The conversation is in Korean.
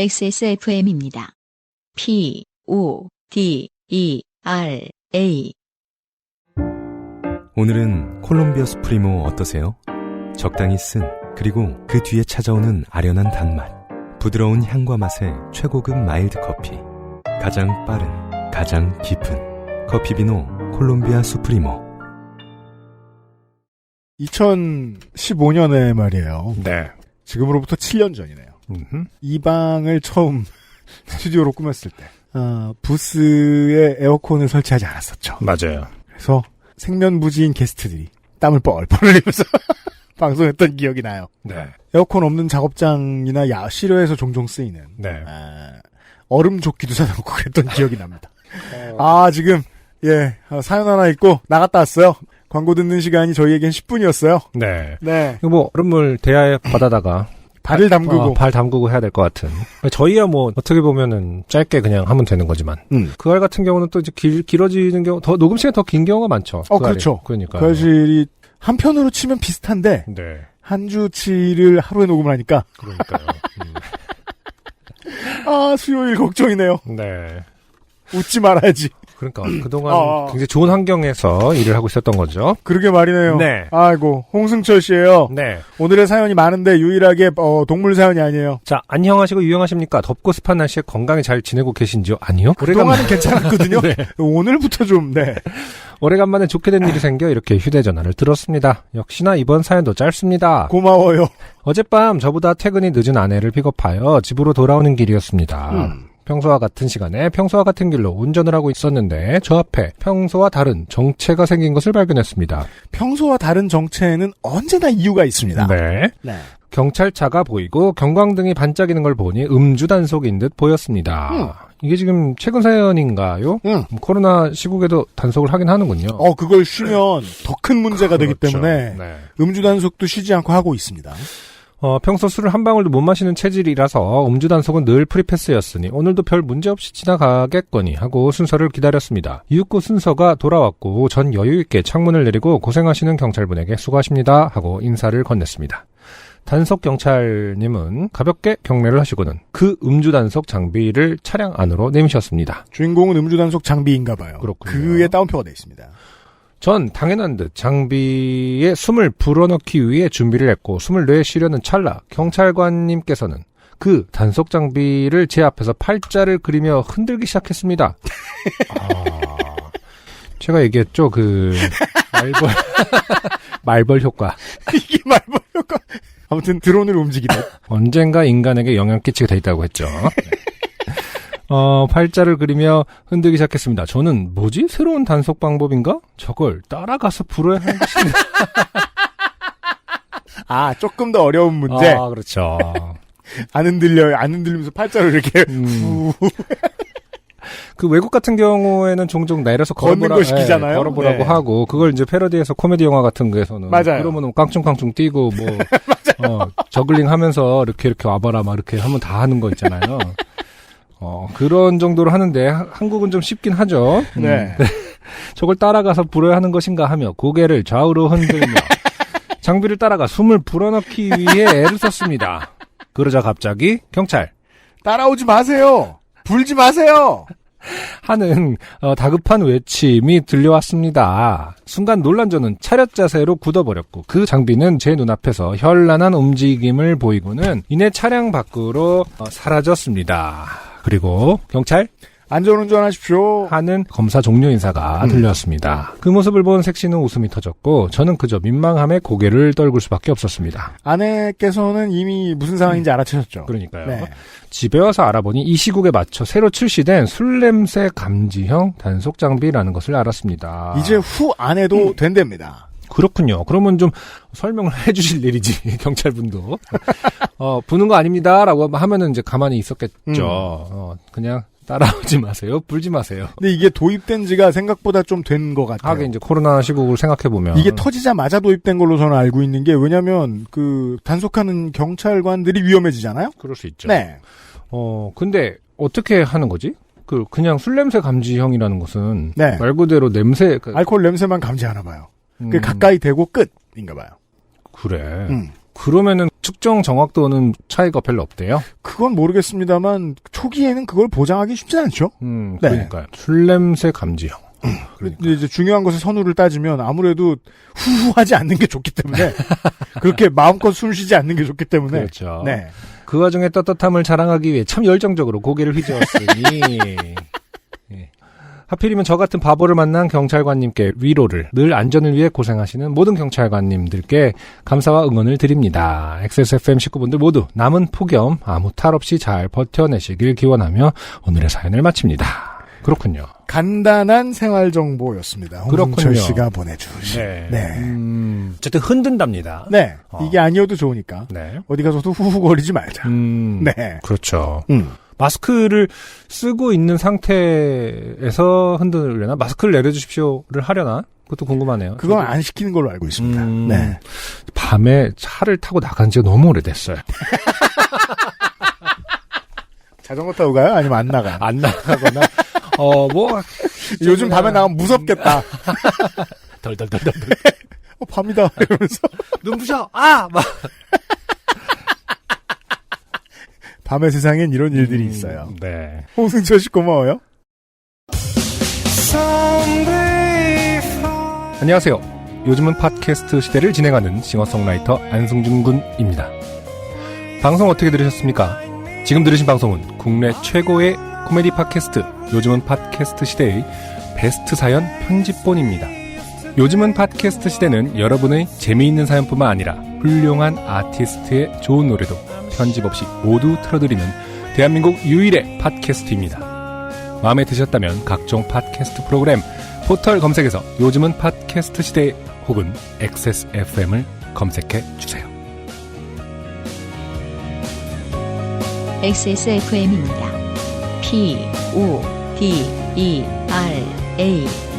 XSFM입니다. PODERA. 오늘은 콜롬비아 수프리모 어떠세요? 적당히 쓴, 그리고 그 뒤에 찾아오는 아련한 단맛, 부드러운 향과 맛의 최고급 마일드 커피. 가장 빠른, 가장 깊은 커피 비노 콜롬비아 수프리모. 2015년에 말이에요. 네. 지금으로부터 7년 전이네요. 이 방을 처음 스튜디오로 꾸몄을 때, 부스에 에어컨을 설치하지 않았었죠. 맞아요. 그래서 생면부지인 게스트들이 땀을 뻘뻘 흘리면서 방송했던 기억이 나요. 네. 에어컨 없는 작업장이나 실외에서 종종 쓰이는 얼음 조끼도 사다 놓고 그랬던 기억이 납니다. 지금 사연 하나 있고 나갔다 왔어요. 광고 듣는 시간이 저희에겐 10분이었어요. 네. 네. 뭐 얼음물 대야에 받아다가 발을 담그고 발 담그고 해야 될 것 같은. 저희야 뭐 어떻게 보면은 짧게 그냥 하면 되는 거지만 그 알 같은 경우는 또 이제 길어지는 경우, 더 녹음 시간이 더 긴 경우가 많죠. 그렇죠. 그러니까 그 알실이 한편으로 치면 비슷한데 네. 한 주치를 하루에 녹음을 하니까 그러니까요. 수요일 걱정이네요. 네. 웃지 말아야지. 그러니까 그동안 굉장히 좋은 환경에서 일을 하고 있었던 거죠. 그러게 말이네요. 네. 아이고, 홍승철 씨예요. 네. 오늘의 사연이 많은데 유일하게 동물 사연이 아니에요. 자, 안녕하시고 유용하십니까? 덥고 습한 날씨에 건강히 잘 지내고 계신지요? 아니요. 그동안은 괜찮았거든요. 네. 오늘부터 좀 오래간만에 좋게 된 일이 생겨 이렇게 휴대전화를 들었습니다. 역시나 이번 사연도 짧습니다. 고마워요. 어젯밤 저보다 퇴근이 늦은 아내를 픽업하여 집으로 돌아오는 길이었습니다. 평소와 같은 시간에 평소와 같은 길로 운전을 하고 있었는데 저 앞에 평소와 다른 정체가 생긴 것을 발견했습니다. 평소와 다른 정체에는 언제나 이유가 있습니다. 네. 경찰차가 보이고 경광등이 반짝이는 걸 보니 음주 단속인 듯 보였습니다. 이게 지금 최근 사연인가요? 코로나 시국에도 단속을 하긴 하는군요. 그걸 쉬면 더 큰 문제가 되기 때문에 네. 음주 단속도 쉬지 않고 하고 있습니다. 평소 술을 한 방울도 못 마시는 체질이라서 음주 단속은 늘 프리패스였으니 오늘도 별 문제 없이 지나가겠거니 하고 순서를 기다렸습니다. 이윽고 순서가 돌아왔고 전 여유있게 창문을 내리고 고생하시는 경찰분에게 수고하십니다 하고 인사를 건넸습니다. 단속 경찰님은 가볍게 경례를 하시고는 그 음주 단속 장비를 차량 안으로 내미셨습니다. 주인공은 음주 단속 장비인가 봐요. 그렇군요. 그에 따옴표가 되어 있습니다. 전 당연한 듯 장비에 숨을 불어넣기 위해 준비를 했고 숨을 내쉬려는 찰나 경찰관님께서는 그 단속 장비를 제 앞에서 팔자를 그리며 흔들기 시작했습니다. 제가 얘기했죠. 말벌 효과. 이게 말벌 효과. 아무튼 드론을 움직이듯. 언젠가 인간에게 영향 끼치게 돼 있다고 했죠. 팔자를 그리며 흔들기 시작했습니다. 저는 뭐지? 새로운 단속 방법인가? 저걸 따라가서 불어야 하는 것인가? 조금 더 어려운 문제. 그렇죠. 안 흔들리면서 팔자를 이렇게 그 외국 같은 경우에는 종종 내려서 걷는 거 시키잖아요. 걸어보라고 하고 그걸 이제 패러디해서 코미디 영화 같은 거에서는 맞아요. 그러면은 깡충깡충 뛰고 저글링 하면서 이렇게 와봐라 막 이렇게 하면 다 하는 거 있잖아요. 그런 정도로 하는데 한국은 좀 쉽긴 하죠. 네. 저걸 따라가서 불어야 하는 것인가 하며 고개를 좌우로 흔들며 장비를 따라가 숨을 불어넣기 위해 애를 썼습니다. 그러자 갑자기 경찰 따라오지 마세요. 불지 마세요. 하는 다급한 외침이 들려왔습니다. 순간 놀란 저는 차렷 자세로 굳어버렸고 그 장비는 제 눈앞에서 현란한 움직임을 보이고는 이내 차량 밖으로 사라졌습니다. 그리고 경찰 안전운전하십시오 하는 검사 종료 인사가 들렸습니다. 그 모습을 본 색시는 웃음이 터졌고 저는 그저 민망함에 고개를 떨굴 수밖에 없었습니다. 아내께서는 이미 무슨 상황인지 알아채셨죠. 그러니까요. 네. 집에 와서 알아보니 이 시국에 맞춰 새로 출시된 술냄새 감지형 단속 장비라는 것을 알았습니다. 이제 후 안 해도 된답니다. 그렇군요. 그러면 좀 설명을 해주실 일이지 경찰분도 부는 거 아닙니다라고 하면은 이제 가만히 있었겠죠. 그냥 따라오지 마세요. 불지 마세요. 근데 이게 도입된 지가 생각보다 좀 된 것 같아요. 하긴 이제 코로나 시국을 생각해보면. 이게 터지자마자 도입된 걸로 저는 알고 있는 게 왜냐면 단속하는 경찰관들이 위험해지잖아요? 그럴 수 있죠. 네. 근데 어떻게 하는 거지? 그냥 술냄새 감지형이라는 것은. 네. 말 그대로 알코올 냄새만 감지하나 봐요. 가까이 대고 끝인가 봐요. 그래. 그러면은 측정 정확도는 차이가 별로 없대요? 그건 모르겠습니다만 초기에는 그걸 보장하기 쉽지 않죠. 그러니까요. 술 냄새 감지형. 그러니까. 이제 중요한 것의 선후를 따지면 아무래도 후후하지 않는 게 좋기 때문에 그렇게 마음껏 숨 쉬지 않는 게 좋기 때문에 그렇죠. 네. 그 와중에 떳떳함을 자랑하기 위해 참 열정적으로 고개를 휘저었으니 예. 하필이면 저 같은 바보를 만난 경찰관님께 위로를, 늘 안전을 위해 고생하시는 모든 경찰관님들께 감사와 응원을 드립니다. XSFM 식구분들 모두 남은 폭염 아무 탈 없이 잘 버텨내시길 기원하며 오늘의 사연을 마칩니다. 그렇군요. 간단한 생활 정보였습니다. 홍승철 씨가 보내주신. 네. 어쨌든 흔든답니다. 네. 이게 아니어도 좋으니까. 네. 어디 가서도 후후거리지 말자. 네. 그렇죠. 마스크를 쓰고 있는 상태에서 흔들려나? 마스크를 내려주십시오를 하려나? 그것도 궁금하네요. 그건 안 시키는 걸로 알고 있습니다. 네. 밤에 차를 타고 나간 지가 너무 오래됐어요. 자전거 타고 가요? 아니면 안 나가요? 안 나가거나, 요즘 밤에 나가면 무섭겠다. 덜덜덜덜. 밤이다. 이러면서. 눈부셔! 막. 밤의 세상엔 이런 일들이 있어요. 네. 홍승철 씨 고마워요. 안녕하세요. 요즘은 팟캐스트 시대를 진행하는 싱어송라이터 안승준 군입니다. 방송 어떻게 들으셨습니까? 지금 들으신 방송은 국내 최고의 코미디 팟캐스트 요즘은 팟캐스트 시대의 베스트 사연 편집본입니다. 요즘은 팟캐스트 시대는 여러분의 재미있는 사연뿐만 아니라 훌륭한 아티스트의 좋은 노래도 편집 없이 모두 틀어드리는 대한민국 유일의 팟캐스트입니다. 마음에 드셨다면 각종 팟캐스트 프로그램 포털 검색에서 요즘은 팟캐스트 시대 혹은 XSFM을 검색해 주세요. XSFM입니다. PODERA